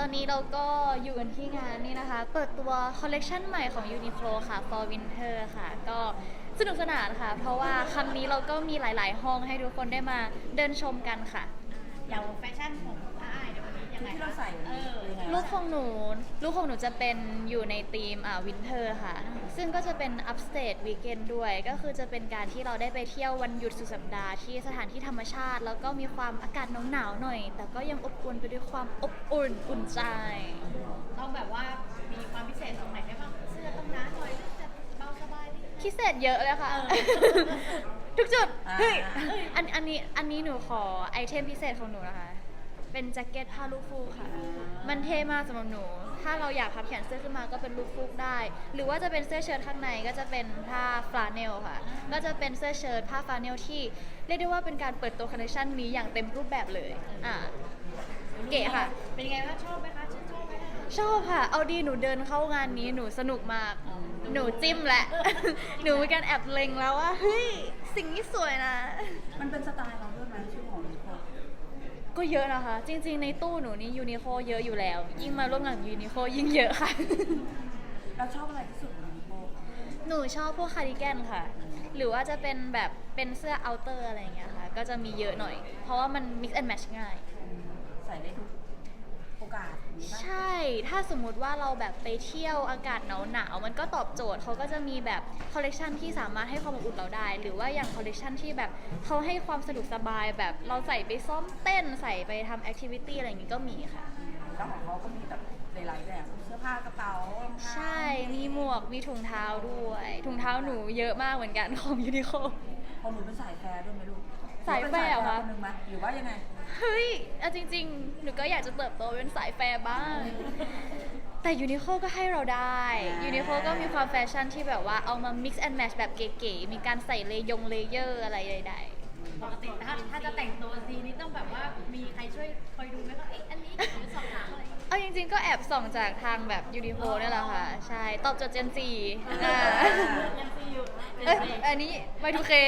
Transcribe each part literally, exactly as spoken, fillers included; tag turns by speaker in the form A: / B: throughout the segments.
A: นี้เราก็อยู่กันที่งานนี่นะคะ เปิดตัวคอลเลกชันใหม่ของ Uniqlo ค่ะ for Winter ค่ะ ก็สนุกสนานค่ะ เพราะว่าครั้งนี้เราก็มีหลายๆ ห้องให้ทุกคนได้มาเดินชมกันค่ะ
B: อย่างแฟชั่นของอ้ายในวันนี้ยังไง
C: ที่เราใส่
B: เออ
A: ลูกของหนูลูกของหนูจะเป็นอยู่ในธีมอ่าวินเทอร์ค่ะ ซึ่งก็จะเป็น upstate weekend ด้วย ก็คือจะเป็นการที่เราได้ไปเที่ยววันหยุดสุดสัปดาห์ที่สถานที่ธรรมชาติ แล้วก็มีความอากาศหนาวๆหน่อย แต่ก็ยังอบอุ่นไปด้วยความอบอุ่นอุ่นใจ
B: ต้องแบบว่ามีความพิเศษตรงไหนได้บ้างเสื้อต้องหนาหน่อยหรือจะเบาสบายนิดนึง
A: พิเศษเยอะเลยค่ะ
B: เออ
A: ทุกจุด
C: อ่า
A: เฮ้ยอันอันนี้อันนี้หนูขอไอเทมพิเศษของหนูนะคะ เป็นแจ็คเก็ตผ้าลูกฟูกค่ะ มันเท่มากสำหรับหนู ถ้าเราอยากพับแขนเสื้อขึ้นมาก็เป็นลูกฟูกได้ หรือว่าจะเป็นเสื้อเชิ้ตข้างในก็จะเป็นผ้าฟลาเนลค่ะ ก็จะเป็นเสื้อเชิ้ตผ้าฟลาเนลที่เรียกได้ว่าเป็นการเปิดตัวคอลเลคชันนี้อย่างเต็มรูปแบบเลย อ่า เก๋ค่ะ
B: เป็นยังไงบ้างชอบไหมคะชื่นชอบไหมคะ
A: ชอบค่ะ เอาดีหนูเดินเข้างานนี้หนูสนุกมาก หนูจิ้มแหละ หนูมีการแอบเล็งแล้วว่าเฮ้ยสิ่งนี้สวยนะ
C: มันเป็นสไตล์เราด้วยไหมชื่อของนิโคล
A: ก็เยอะนะคะ จริงๆในตู้หนูนี่ยูนิโคเยอะอยู่แล้ว ยิ่งมาร่วมงานยูนิโคยิ่งเยอะค่ะ
C: เราชอบอะไรที่สุดของนิโคล
A: หนูชอบพวกคาร์ดิแกนค่ะ หรือว่าจะเป็นแบบเป็นเสื้อเอาเตอร์อะไรอย่างเงี้ยค่ะ ก็จะมีเยอะหน่อย เพราะว่ามัน mix and match ง่าย
C: ใส่ได้ทุกโอกาสนี้ปะ
A: ใช่ ถ้าสมมุติว่าเราแบบไปเที่ยวอากาศหนาวๆ มันก็ตอบโจทย์ เขาก็จะมีแบบคอลเลกชันที่สามารถให้ความอบอุ่นเราได้ หรือว่าอย่างคอลเลกชันที่แบบเขาให้ความสะดวกสบายแบบเราใส่ไปซ้อมเต้นใส่ไปทำแอคทิวิตี้อะไรอย่างงี้ก็มีค่ะ
C: แล้วของเขาก็มีแบบหลายๆแบบเสื้อผ้ากระเป๋ารองเท้า
A: ใช่ มีหมวก มีถุงเท้าด้วย ถุงเท้าหนูเยอะมากเหมือนกันของยูนิโค
C: พอหนูเป็นสายแฟร์ด้วยไหมลูก
A: สายแฟร์เหรอคะ
C: หนูเป็นสายแฟร์คนหนึงไหมหรือว่ายังไง
A: เฮ้ยเอาจริงๆ หนูก็อยากจะเติบโตเป็นสายแฟร์บ้าง แต่ยูนิโคก็ให้เราได้
C: อ่า
A: ยูนิโคก็มีความแฟชั่นที่แบบว่าเอามา mix and match แบบเก๋ๆ มีการใส่เลยงเลเยอร์อะไรใด
B: ปกติถ้าถ้าจะแต่งตัวทีนี้ต้องแบบว่ามีใครช่วยคอยดูไหมคะเอ๊ะอันนี้หรือสอบถามอะไร
A: ๆ เอาจริงๆ ก็แอบส่องจากทางแบบยูนิโคนี่แหละค่ะ ใช่ ตอบโจทย์เจนซีอ่า
B: ยังซีอยู่
A: เอ้ยอันนี้ไมทูเค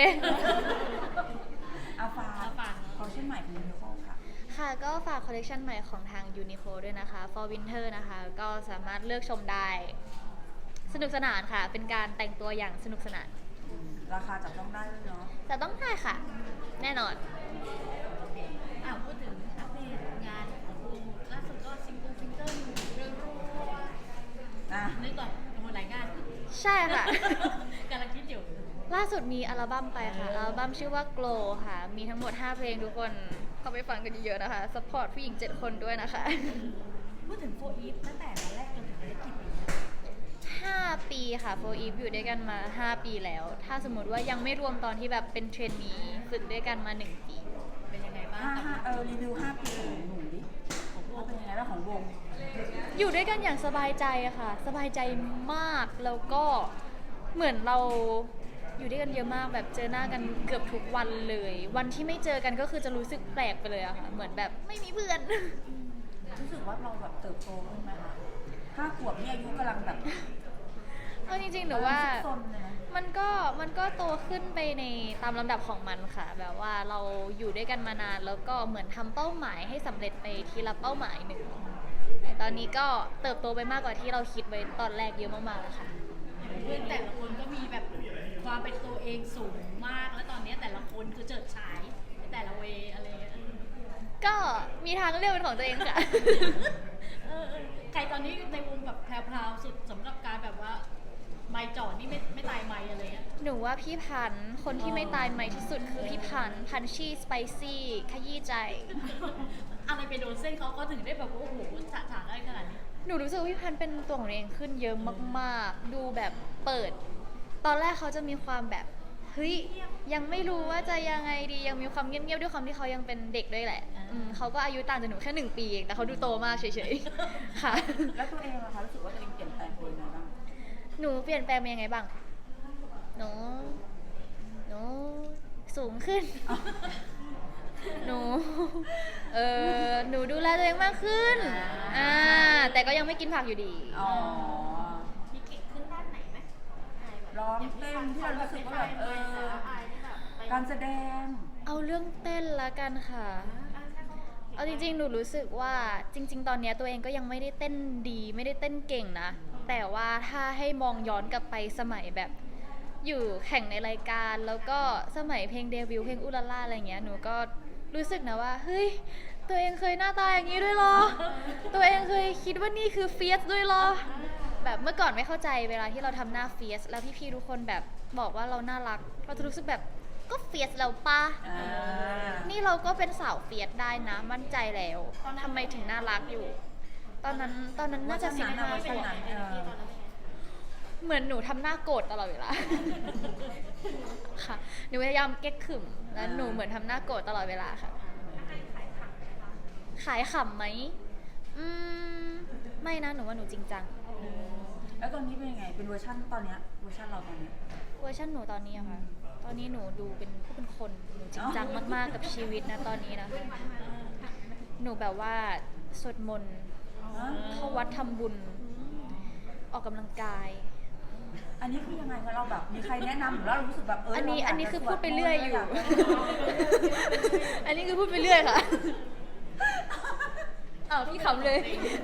C: อาฟา
B: อาฟา
C: คอลเลคชั่นใหม่ของนิโคลค่ะ
A: ค่ะก็ฝากคอลเลกชันใหม่ของทาง Uniqlo ด้วยนะคะ for winter นะคะ ก็สามารถเลือกชมได้ สนุกสนานค่ะ เป็นการแต่งตัวอย่างสนุกสนาน
C: ราคาจับต้องได้ด้วยเนาะ
A: แต่ต้องได้ค่ะ แน่นอน
B: อ่ะพูดถึงอัปเดตงานของวงล่าสุดก็ซิงเกิลซิงเกิลเรื่องรัว
C: อ่ะ
B: นึกก่อนทำหลายงาน
A: ใช่ค่ะ
B: กำลังคิดอยู่
A: ล่าสุดมีอัลบั้มไปค่ะ อัลบั้มชื่อว่า Glow ค่ะ มีทั้งหมด ห้า เพลงทุกคนเข้าไปฟังกันเยอะๆนะคะ สปอร์ตผู้หญิง เจ็ด คนด้วยนะคะ
B: พูดถึงโฟอีฟตั้งแต่วันแรกจนถึงวันนี้กี่ปี
A: ห้า ปีค่ะ โฟร์ อีฟ อยู่ด้วยกันมา ห้า ปีแล้ว ถ้าสมมติว่ายังไม่รวมตอนที่แบบเป็นเทรนนีฝึกด้วยกันมา หนึ่ง ปี
B: เป็นยังไงบ้าง
C: ห้า
B: กับ
C: ห้าเออรีวิวห้าปีของหนูดิของวงเป็นยังไงบ้างของวง
A: อยู่ด้วยกันอย่างสบายใจอะค่ะ สบายใจมากแล้วก็เหมือนเราอยู่ด้วยกันเยอะมากแบบเจอหน้ากันเกือบทุกวันเลย วันที่ไม่เจอกันก็คือจะรู้สึกแปลกไปเลยอะค่ะ เหมือนแบบไม่มีเพื่อน
C: รู้สึกว่าเราแบบเติบโตขึ้นไหมคะห้าขวบนี่อายุกำลังแบบ
A: เอาจริงๆหนูว่า
C: ซุกซนเลยนะ
A: มันก็มันก็โตขึ้นไปในตามลำดับของมันค่ะ แบบว่าเราอยู่ด้วยกันมานานแล้วก็เหมือนทำเป้าหมายให้สำเร็จไปทีละเป้าหมายหนึ่งแต่ตอนนี้ก็เติบโตไปมากกว่าที่เราคิดไว้ตอนแรกเยอะมากๆแล้วค่ะ
B: เพื่อนแต่ละคนก็มีแบบความเป็นตัวเองสูงมาก แล้วตอนนี้แต่ละคนคือเจิดฉายในแต่ละเวย์อะไรเงี้ย
A: ก็มีทางเลือกเป็นของตัวเองค่ะ
B: เออเออใครตอนนี้ในวงแบบแพรวๆสุดสำหรับการแบบว่าไม่จ่อนี่ไม่ไม่ตายไม่อะไรเงี้ย
A: หนูว่าพี่พันธุ์คนที่ไม่ตายใหม่ที่สุดคือพี่พันธุ์พันชี่สไปซี่ขยี้ใจ
B: อะไรไปโดนเส้นเขาก็ถึงได้แบบว่าโอ้โหฉะฉานได้ขนาดนี้
A: หนูรู้สึกว่าพี่พันธุ์เป็นตัวของตัวเองขึ้นเยอะมากๆ ดูแบบเปิด ตอนแรกเขาจะมีความแบบเฮ้ยยังไม่รู้ว่าจะยังไงดียังมีความเงียบๆด้วยความที่เขายังเป็นเด็กด้วยแหละอืมเขาก็อายุต่างจากหนูแค่หนึ่งปีเองแต่เขาดูโตมากเฉยๆ ค่ะ
C: แล้วตัวเองอะคะรู้สึกว่าตัวเองเปลี่ยนแปลงไปยังไงบ้าง
A: หนูเปลี่ยนแปลงไปยังไงบ้าง หนู หนู สูงขึ้น หนู เออหนูดูแลตัวเองมากขึ้น อ่า แต่ก็ยังไม่กินผักอยู่ดี
C: อ๋อ
B: มีเก่งขึ้นด้านไหนไหมอายแบบ
C: ร้องเต้นที่เรารู้สึกว่าแบบเออ
B: อายที่แบบไป
C: การแสดง
A: เอาเรื่องเต้นละกันค่ะ
B: อ่าใช่เขา
A: เอาจริงๆ หนูรู้สึกว่าจริง ๆ ตอนเนี้ยตัวเองก็ยังไม่ได้เต้นดีไม่ได้เต้นเก่งนะ แต่ว่าถ้าให้มองย้อนกลับไปสมัยแบบอยู่แข่งในรายการแล้วก็สมัยเพลงเดบิวต์เพลงอุลาล่าอะไรเงี้ยหนูก็รู้สึกนะว่าเฮ้ยตัวเองเคยหน้าตาอย่างนี้ด้วยเหรอ ตัวเองเคยคิดว่านี่คือเฟียสด้วยเหรอ แบบเมื่อก่อนไม่เข้าใจเวลาที่เราทำหน้าเฟียสแล้วพี่ๆทุกคนแบบบอกว่าเราน่ารักเราจะรู้สึกแบบก็เฟียสแล้วปะ
C: อ่า
A: นี่เราก็เป็นสาวเฟียสได้นะมั่นใจแล้วทำไมถึงน่ารักอยู่ ตอนนั้นตอนนั้นน่าจะสิบห้า
C: เวอร์ชันนั้นเออ
A: เหมือนหนูทำหน้าโกรธตลอดเวลา ค่ะหนูพยายามเก๊กขึมแล้วหนูเหมือนทำหน้าโกรธตลอดเวลาค่ะ ขายขำไหมอืมไม่นะหนูว่าหนูจริงจัง
C: แล้วตอนนี้เป็นยังไง เป็นเวอร์ชันตอนเนี้ยเวอร์ชันเราตอนเนี้ย
A: เวอร์ชันหนูตอนนี้อะค่ะ ตอนนี้หนูดูเป็นผู้เป็นคน หนูจริงจังมากๆกับชีวิตนะตอนนี้นะ หนูแบบว่าสวดมนต์เข้าวัดทำบุญ ออกกำลังกาย
C: อันนี้คือยังไงคะเราแบบมีใครแนะนำหรือเรารู้สึกแบบเออ
A: อั
C: อั
A: นนี้อันนี้คือพูดไปเรื่อยอยู่ อันนี้คือพูดไปเรื่อยค่ะ อ้าวพี่ขำเลย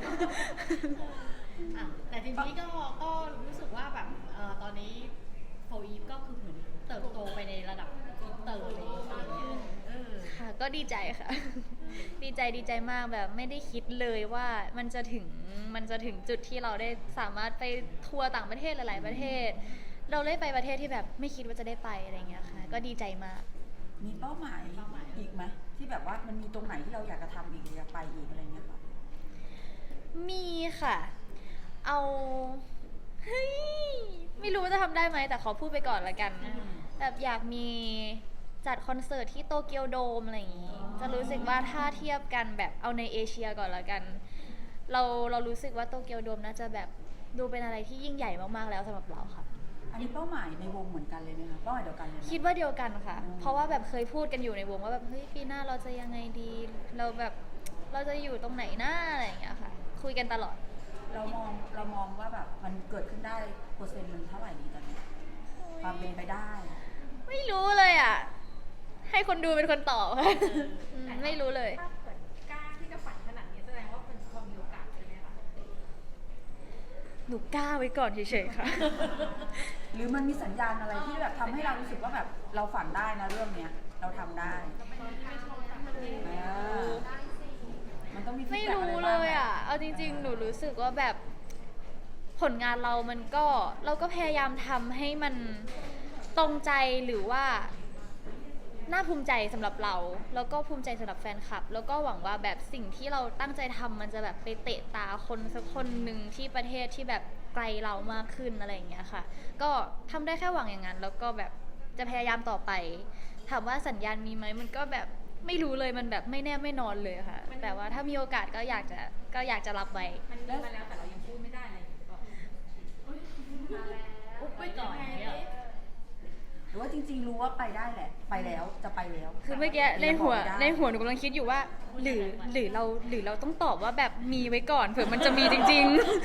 B: อ่ะแต่ทีนี้ก็ก็รู้สึกว่าแบบเอ่อตอนนี้โฟอีฟก็คือเหมือนเติบโตไปในระดับอินเตอร์เลยอะไรเงี้ยเออ
A: ค่ะ ก็ดีใจค่ะ ดีใจดีใจมากแบบไม่ได้คิดเลยว่ามันจะถึงมันจะถึงจุดที่เราได้สามารถไปทัวร์ต่างประเทศหลาย ๆ ประเทศ เราได้ไปประเทศที่แบบไม่คิดว่าจะได้ไปอะไรเงี้ยค่ะ ก็ดีใจมาก
C: มีเป้าหมายอีกไหมที่แบบว่ามันมีตรงไหนที่เราอยากจะทำอีกอยากไปอีกอะไรเงี้ยค่ะ
A: มีค่ะ เอาเฮ้ยไม่รู้ว่าจะทำได้ไหมแต่ขอพูดไปก่อนละกัน
C: อืม
A: แบบอยากมีจัดคอนเสิร์ตที่โตเกียวโดมอะไรอย่างงี้ จะรู้สึกว่าถ้าเทียบกันแบบเอาในเอเชียก่อนละกัน เราเรารู้สึกว่าโตเกียวโดมน่าจะแบบดูเป็นอะไรที่ยิ่งใหญ่มากๆแล้วสำหรับเราค่ะ
C: อันนี้เป้าหมายในวงเหมือนกันเลยไหมคะเป้าหมายเดียวกันเลยไหม
A: คิดว่าเดียวกันค่ะ
C: อืม
A: เพราะว่าแบบเคยพูดกันอยู่ในวงว่าแบบเฮ้ยปีหน้าเราจะยังไงดี เราแบบเราจะอยู่ตรงไหนหน้าอะไรอย่างเงี้ยค่ะ คุยกันตลอด
C: เรามองเรามองว่าแบบมันเกิดขึ้นได้เปอร์เซ็นต์มันเท่าไหร่ดีตอนนี้ความเป็นไปได้
A: ไม่รู้เลยอ่ะ ให้คนดูเป็นคนตอบค่ะอืมไม่รู้เลย
D: ถ้าเกิดกล้าที่จะฝันขนาดนี้แสดงว่าเป็นความมีโอกาสใช่ไหมคะ
A: หนูกล้าไว้ก่อนเฉยๆค่ะ
C: หรือมันมีสัญญาณอะไรที่แบบทำให้เรารู้สึกว่าแบบเราฝันได้นะเรื่องเนี้ย เราทำได้อ่ามันต้องมี
A: ไม่
C: feedback
A: รู้
C: อะ
A: เล
C: บ้างไหม
A: ยอ่ะ เอาจริง ๆ หนูรู้สึกว่าแบบผลงานเรามันก็เราก็พยายามทำให้มันตรงใจหรือว่าน่าภูมิใจสำหรับเรา แล้วก็ภูมิใจสำหรับแฟนคลับ แล้วก็หวังว่าแบบสิ่งที่เราตั้งใจทำมันจะแบบไปเตะตาคนสักคนหนึ่งที่ประเทศที่แบบไกลเรามากขึ้นอะไรอย่างเงี้ยค่ะ ก็ทำได้แค่หวังอย่างนั้น แล้วก็แบบจะพยายามต่อไป ถามว่าสัญญาณมีไหมมันก็แบบไม่รู้เลยมันแบบไม่แน่ไม่นอนเลยค่ะ แต่ว่าถ้ามีโอกาสก็อยากจะก็อยากจะรับไว้
D: มันมีมาแล้วแต่เรายังพูดไม่ได้อะไรอย่างเงี้ยก็มาแล้ว
B: อุ๊บไว้ก่อนเนี่ย
C: หรือว่าจริง ๆ รู้ว่าไปได้แหละ ไปแล้วจะไปแล้ว
A: คือเมื่อกี้ในหัว
C: ยังบอกไม่ได้
A: ในหัวหนูกำลังคิดอยู่ว่า หรือหรือเราหรือเราต้องตอบว่าแบบมีไว้ก่อนเผื่อมันจะมีจริง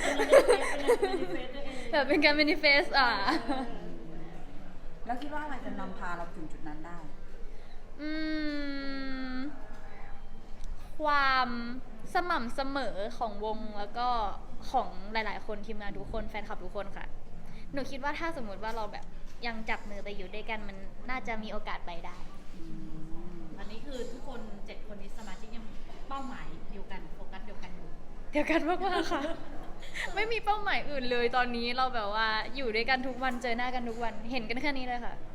A: ๆ แบบเป็นการ manifest อ่ะ
C: แล้วคิดว่าอะไรจะนำพาเราถึงจุดนั้นได้
A: อืม ความสม่ำเสมอของวงแล้วก็ของหลาย ๆ คนทีมงานทุกคนแฟนคลับทุกคนค่ะ หนูคิดว่าถ้าสมมุติว่าเราแบบยังจับมือไปอยู่ด้วยกันมันน่าจะมีโอกาสไปได้
B: ตอนนี้คือทุกคนเจ็ดคนนี้สมาชิกยังเป้าหมายเดียวกันโฟกัสเดียวกันอยู่
A: เดียวกันมากๆค่ะ ไม่มีเป้าหมายอื่นเลยตอนนี้เราแบบว่าอยู่ด้วยกันทุกวันเจอหน้ากันทุกวันเห็นกันแค่นี้เลยค่ะ